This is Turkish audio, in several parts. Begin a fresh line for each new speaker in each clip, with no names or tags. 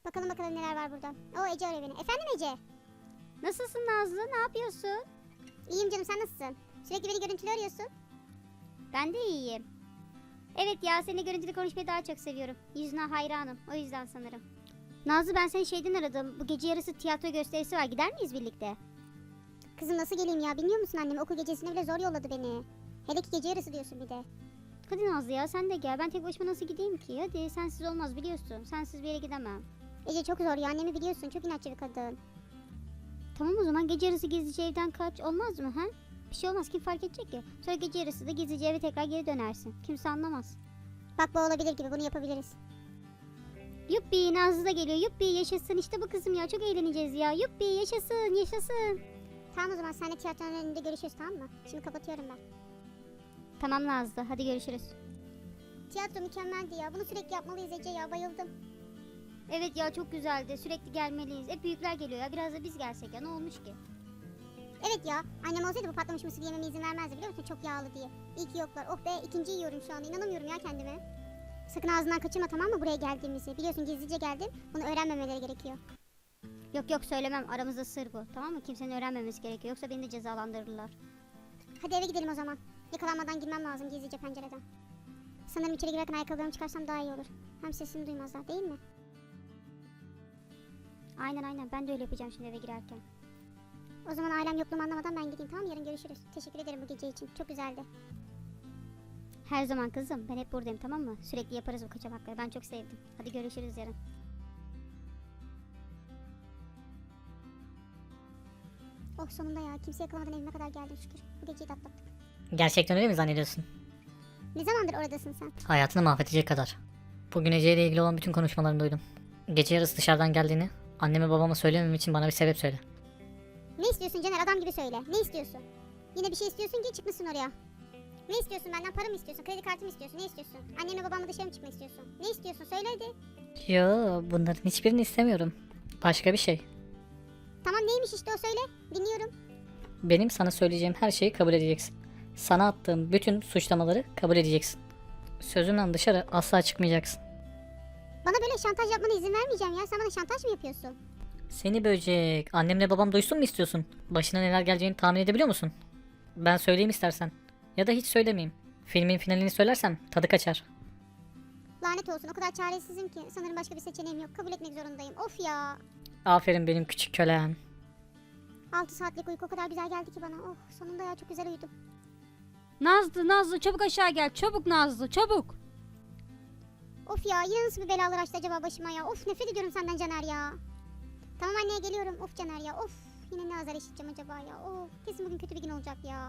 Bakalım bakalım neler var burada. O Ece arıyor beni. Efendim Ece?
Nasılsın Nazlı? Ne yapıyorsun?
İyiyim canım, sen nasılsın? Sürekli beni görüntülü arıyorsun.
Ben de iyiyim. Evet ya, seninle görüntülü konuşmayı daha çok seviyorum. Yüzüne hayranım. O yüzden sanırım. Nazlı, ben seni şeyden aradım. Bu gece yarısı tiyatro gösterisi var. Gider miyiz birlikte?
Kızım nasıl geleyim ya, bilmiyor musun annem okul gecesine bile zor yolladı beni. Hele ki gece yarısı diyorsun bir de.
Hadi Nazlı ya, sen de gel. Ben tek başıma nasıl gideyim ki? Hadi, sensiz olmaz biliyorsun. Sensiz bir yere gidemem.
Ece çok zor ya, annemi biliyorsun, çok inatçı bir kadın.
Tamam, o zaman gece yarısı gizlice evden kaç. Olmaz mı ha? Bir şey olmaz, kim fark edecek ki? Sonra gece yarısı da gizlice eve tekrar geri dönersin. Kimse anlamaz.
Bak bu olabilir gibi, bunu yapabiliriz.
Yuppi, Nazlı da geliyor. Yuppi, yaşasın. İşte bu kızım ya, çok eğleneceğiz ya. Yuppi, yaşasın yaşasın.
Tamam o zaman seninle tiyatronun önünde görüşürüz, tamam mı? Şimdi kapatıyorum ben.
Tamam Nazlı, hadi görüşürüz.
Tiyatro mükemmeldi ya, bunu sürekli yapmalıyız Ece ya, bayıldım.
Evet ya, çok güzeldi. Sürekli gelmeliyiz. Hep büyükler geliyor ya. Biraz da biz gelsek ya. Ne olmuş ki?
Evet ya, annem olsaydı bu patlamış mısır yememe izin vermezdi biliyor musun, çok yağlı diye. İyi ki yoklar. Oh be, ikinciyi yiyorum şu anda, inanamıyorum ya kendime. Sakın ağzından kaçırma, tamam mı, buraya geldiğimizi. Biliyorsun gizlice geldim, bunu öğrenmemeleri gerekiyor.
Yok yok, söylemem. Aramızda sır bu. Tamam mı? Kimsenin öğrenmemesi gerekiyor. Yoksa beni de cezalandırırlar.
Hadi eve gidelim o zaman. Yakalanmadan girmem lazım gizlice pencereden. Sanırım içeri girerken ayakkabılarımı çıkarsam daha iyi olur. Hem sesimi duymazlar, değil mi?
Aynen aynen. Ben de öyle yapacağım şimdi eve girerken.
O zaman ailem yokluğumu anlamadan ben gideyim, tamam mı? Yarın görüşürüz. Teşekkür ederim bu gece için, çok güzeldi.
Her zaman kızım. Ben hep buradayım, tamam mı? Sürekli yaparız bu kaçamakları. Ben çok sevdim. Hadi görüşürüz yarın.
Oh sonunda ya, kimse yakalamadan evime kadar geldim şükür. Bu geceyi de atlattık.
Gerçekten öyle mi zannediyorsun?
Ne zamandır oradasın sen?
Hayatını mahvedecek kadar. Bugün Ece ile ilgili olan bütün konuşmalarını duydum. Gece yarısı dışarıdan geldiğini anneme babama söylemem için bana bir sebep söyle.
Ne istiyorsun Caner, adam gibi söyle. Ne istiyorsun? Yine bir şey istiyorsun ki çıkmışsın oraya. Ne istiyorsun benden, para mı istiyorsun, kredi kartı mı istiyorsun, ne istiyorsun? Annemle babamla dışarı mı çıkmak istiyorsun? Ne istiyorsun, söyle hadi.
Yo, bunların hiçbirini istemiyorum. Başka bir şey.
Tamam neymiş işte o, söyle. Dinliyorum.
Benim sana söyleyeceğim her şeyi kabul edeceksin. Sana attığım bütün suçlamaları kabul edeceksin. Sözümden dışarı asla çıkmayacaksın.
Bana böyle şantaj yapmana izin vermeyeceğim ya. Sen bana şantaj mı yapıyorsun?
Seni böcek, annemle babam duysun mu istiyorsun? Başına neler geleceğini tahmin edebiliyor musun? Ben söyleyeyim istersen. Ya da hiç söylemeyeyim. Filmin finalini söylersem tadı kaçar.
Lanet olsun, o kadar çaresizim ki. Sanırım başka bir seçeneğim yok. Kabul etmek zorundayım. Of ya.
Aferin benim küçük kölem.
6 saatlik uyku o kadar güzel geldi ki bana. Oh sonunda ya, çok güzel uyudum.
Nazlı çabuk aşağı gel. Çabuk Nazlı çabuk.
Of ya, yine nasıl bir belalar açtı acaba başıma ya. Of, nefret ediyorum senden Caner ya. Tamam anneye geliyorum. Of Caner ya, of. Yine ne azar işiteceğim acaba ya. Of, kesin bugün kötü bir gün olacak ya.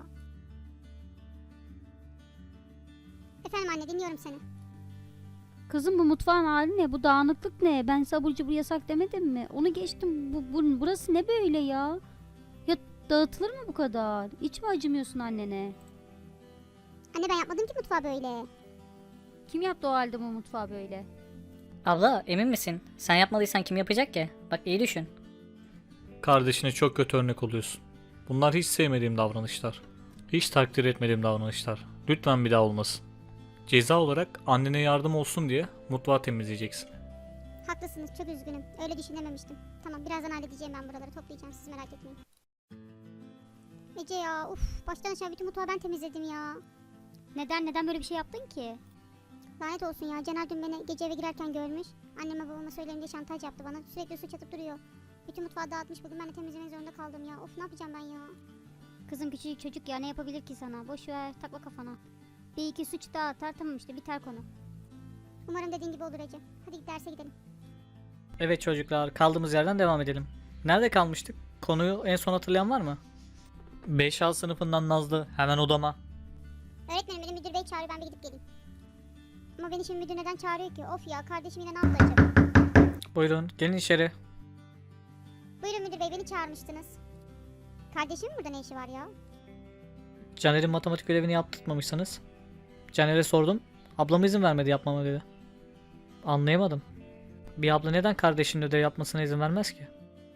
Efendim anne, dinliyorum seni.
Kızım bu mutfağın hali ne? Bu dağınıklık ne? Ben sabur cubur yasak demedim mi? Onu geçtim. Burası ne böyle ya? Ya dağıtılır mı bu kadar? Hiç mi acımıyorsun annene?
Anne ben yapmadım ki mutfağı böyle.
Kim yaptı o halde bu mutfağı böyle?
Abla emin misin? Sen yapmadıysan kim yapacak ki? Bak iyi düşün.
Kardeşine çok kötü örnek oluyorsun. Bunlar hiç sevmediğim davranışlar. Hiç takdir etmediğim davranışlar. Lütfen bir daha olmasın. Ceza olarak annene yardım olsun diye mutfağı temizleyeceksin.
Haklısınız, çok üzgünüm. Öyle düşünememiştim. Tamam, birazdan halledeceğim, ben buraları toplayacağım, siz merak etmeyin. Ece ya, uf, baştan aşağı bütün mutfağı ben temizledim ya.
Neden böyle bir şey yaptın ki?
Lanet olsun ya, Caner dün beni gece eve girerken görmüş. Anneme babama söyleyeyim diye şantaj yaptı bana. Sürekli suç atıp duruyor. Bütün mutfağı dağıtmış, bugün ben de temizlemek zorunda kaldım ya. Of, ne yapacağım ben ya?
Kızım küçücük çocuk ya, ne yapabilir ki sana? Boş ver, takma kafana. Bir iki suç daha atar, tamam işte, biter konu.
Umarım dediğin gibi olur Ece. Hadi git derse gidelim.
Evet çocuklar, kaldığımız yerden devam edelim. Nerede kalmıştık? Konuyu en son hatırlayan var mı?
5A sınıfından Nazlı, hemen odama.
Öğretmenim, beni müdür bey çağırıyor, ben bir gidip geleyim. Ama beni şimdi müdür neden çağırıyor ki? Of ya, kardeşim yine ne yaptı acaba?
Buyurun gelin içeri.
Buyurun müdür bey, beni çağırmıştınız. Kardeşimin burada ne işi var ya?
Caner'in matematik ödevini yaptırtmamışsınız. Caner'e sordum. Ablam izin vermedi yapmama dedi. Anlayamadım. Bir abla neden kardeşinin ödev yapmasına izin vermez ki?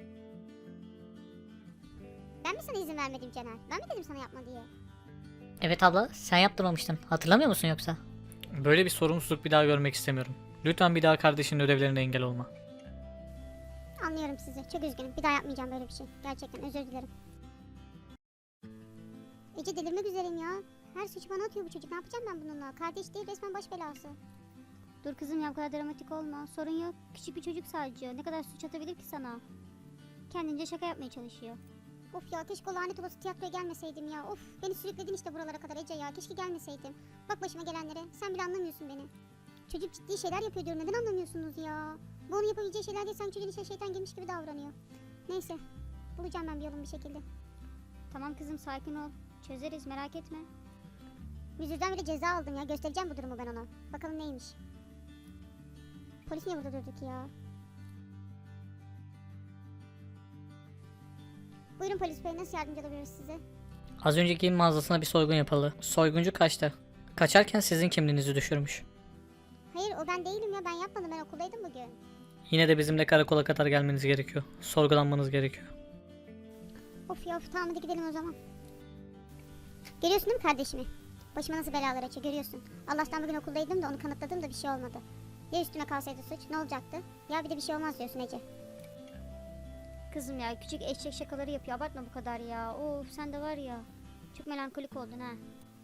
Ben mi sana izin vermedim Caner? Ben mi dedim sana yapma diye?
Evet abla, sen yaptırmamıştın. Hatırlamıyor musun yoksa?
Böyle bir sorumsuzluk bir daha görmek istemiyorum. Lütfen bir daha kardeşinin ödevlerine engel olma.
Anlıyorum sizi. Çok üzgünüm. Bir daha yapmayacağım böyle bir şey. Gerçekten özür dilerim. Ece delirmek üzereyim ya. Her suçu bana atıyor bu çocuk. Ne yapacağım ben bununla? Kardeş değil, resmen baş belası.
Dur kızım ya, bu kadar dramatik olma. Sorun yok. Küçük bir çocuk sadece. Ne kadar suç atabilir ki sana? Kendince şaka yapmaya çalışıyor.
Of ya, keşke o lanet olası tiyatroya gelmeseydim ya. Of, beni sürükledin işte buralara kadar Ece ya. Keşke gelmeseydim. Bak başıma gelenlere. Sen bile anlamıyorsun beni. Çocuk ciddi şeyler yapıyor diyorum. Neden anlamıyorsunuz ya? Bu onun yapabileceği şeyler değil. Sanki çocuğun içine şeytan girmiş gibi davranıyor. Neyse. Bulacağım ben bir yolunu bir şekilde.
Tamam kızım, sakin ol. Çözeriz, merak etme.
Müdürden bile ceza aldım ya. Göstereceğim bu durumu ben ona. Bakalım neymiş. Polis niye burada durdu ki ya? Buyurun polis bey, nasıl yardımcı olabiliriz size?
Az önce giyim mağazasına bir soygun yapıldı. Soyguncu kaçtı. Kaçarken sizin kimliğinizi düşürmüş.
Hayır, o ben değilim ya. Ben yapmadım. Ben okuldaydım bugün.
Yine de bizimle karakola kadar gelmeniz gerekiyor. Sorgulanmanız gerekiyor.
Of ya, of, tamam hadi gidelim o zaman. Görüyorsun değil mi kardeşimi? Başıma nasıl belalar açıyor, görüyorsun. Allah'tan bugün okuldaydım da onu kanıtladım da bir şey olmadı. Ya üstüme kalsaydı suç ne olacaktı? Ya bir de bir şey olmaz diyorsun Ece.
Kızım ya, küçük eşek şakaları yapıyor. Abartma bu kadar ya. Of, sen de var ya. Çok melankolik oldun ha.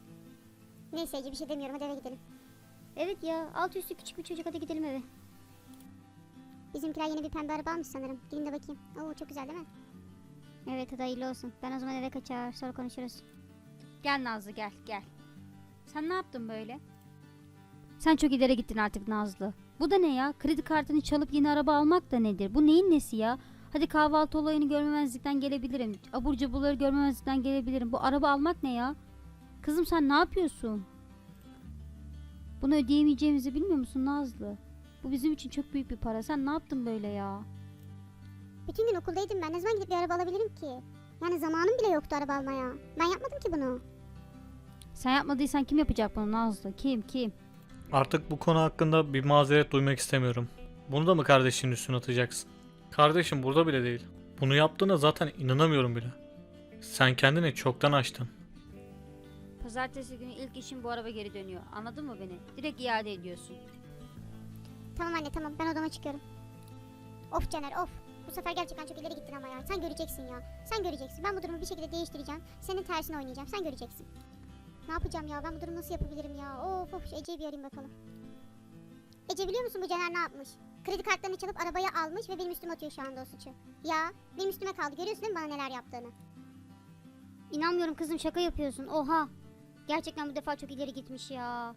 Neyse Ece, bir şey demiyorum, hadi eve gidelim.
Evet ya, alt üstü küçük bir çocuk, hadi gidelim eve.
Bizimkiler yeni bir pembe araba almış sanırım. Gidin de bakayım. Oo, çok güzel değil mi?
Evet, hadi hayırlı olsun. Ben o zaman eve kaçar, sonra konuşuruz.
Gel Nazlı, gel gel. Sen ne yaptın böyle? Sen çok ileri gittin artık Nazlı. Bu da ne ya? Kredi kartını çalıp yeni araba almak da nedir? Bu neyin nesi ya? Hadi kahvaltı olayını görmemezlikten gelebilirim. Abur cuburları görmemezlikten gelebilirim. Bu araba almak ne ya? Kızım sen ne yapıyorsun? Bunu ödeyemeyeceğimizi bilmiyor musun Nazlı? Bu bizim için çok büyük bir para. Sen ne yaptın böyle ya?
Bütün gün okuldaydım ben. Ne zaman gidip bir araba alabilirim ki? Yani zamanım bile yoktu araba almaya. Ben yapmadım ki bunu.
Sen yapmadıysan kim yapacak bunu Nazlı? Kim?
Artık bu konu hakkında bir mazeret duymak istemiyorum. Bunu da mı kardeşinin üstüne atacaksın? Kardeşim burada bile değil. Bunu yaptığına zaten inanamıyorum bile. Sen kendini çoktan aştın.
Pazartesi günü ilk işin bu araba geri dönüyor. Anladın mı beni? Direkt iade ediyorsun.
Tamam anne, tamam, ben odama çıkıyorum. Of Caner, of. Bu sefer gerçekten çok ileri gittin ama ya. Sen göreceksin ya. Sen göreceksin. Ben bu durumu bir şekilde değiştireceğim. Senin tersine oynayacağım. Sen göreceksin. Ne yapacağım ya? Ben bu durumu nasıl yapabilirim ya? Of, şu Ece'yi bir arayayım bakalım. Ece, biliyor musun bu Caner ne yapmış? Kredi kartlarını çalıp arabayı almış ve benim üstüme atıyor şu anda o suçu. Ya benim üstüme kaldı. Görüyorsun değil mi bana neler yaptığını?
İnanmıyorum kızım, şaka yapıyorsun. Oha. Gerçekten bu defa çok ileri gitmiş ya.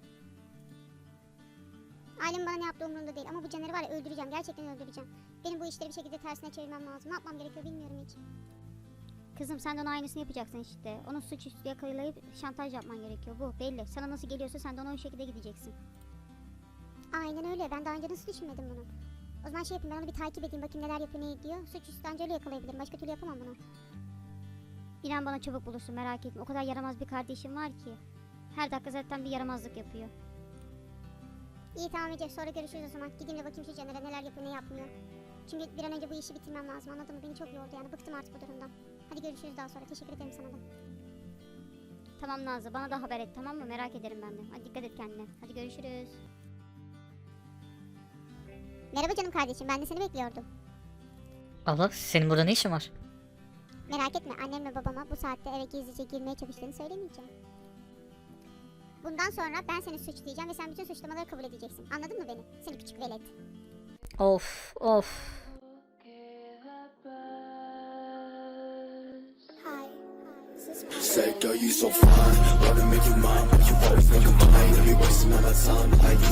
Ailem bana ne yaptığı umurumda değil ama bu Caner'i var ya, öldüreceğim. Gerçekten öldüreceğim. Benim bu işleri bir şekilde tersine çevirmem lazım. Ne yapmam gerekiyor bilmiyorum hiç.
Kızım sen de onun aynısını yapacaksın işte. Onu suçüstü yakalayıp şantaj yapman gerekiyor. Bu belli. Sana nasıl geliyorsa sen de ona o şekilde gideceksin.
Aynen öyle. Ben daha önce nasıl düşünmedim bunu? O zaman şey yapayım, ben onu bir takip edeyim. Bakayım neler yapıyor, ne ediyor. Suçüstü anca öyle yakalayabilirim. Başka türlü yapamam bunu.
İnan bana, çabuk bulursun, merak etme. O kadar yaramaz bir kardeşim var ki. Her dakika zaten bir yaramazlık yapıyor.
İyi tamam Ece, sonra görüşürüz o zaman. Gideyim de bakayım şu Caner'e neler yapıyor, ne yapmıyor. Çünkü bir an önce bu işi bitirmem lazım, anladın mı? Beni çok yordu yani, bıktım artık bu durumdan. Hadi görüşürüz daha sonra, teşekkür ederim sana da.
Tamam Nazlı, bana da haber et, tamam mı? Merak ederim ben de. Hadi dikkat et kendine. Hadi görüşürüz.
Merhaba canım kardeşim, ben de seni bekliyordum.
Abla senin burada ne işin var?
Merak etme, annem ve babama bu saatte eve gizlice girmeye çalıştığını söylemeyeceğim. Bundan sonra ben seni suçlayacağım ve sen bütün suçlamaları kabul edeceksin. Anladın mı beni? Seni küçük velet.
Of.
Say, girl, you so fine. Wanna make you mine, but you always make you mine. You be wasting all that time. Like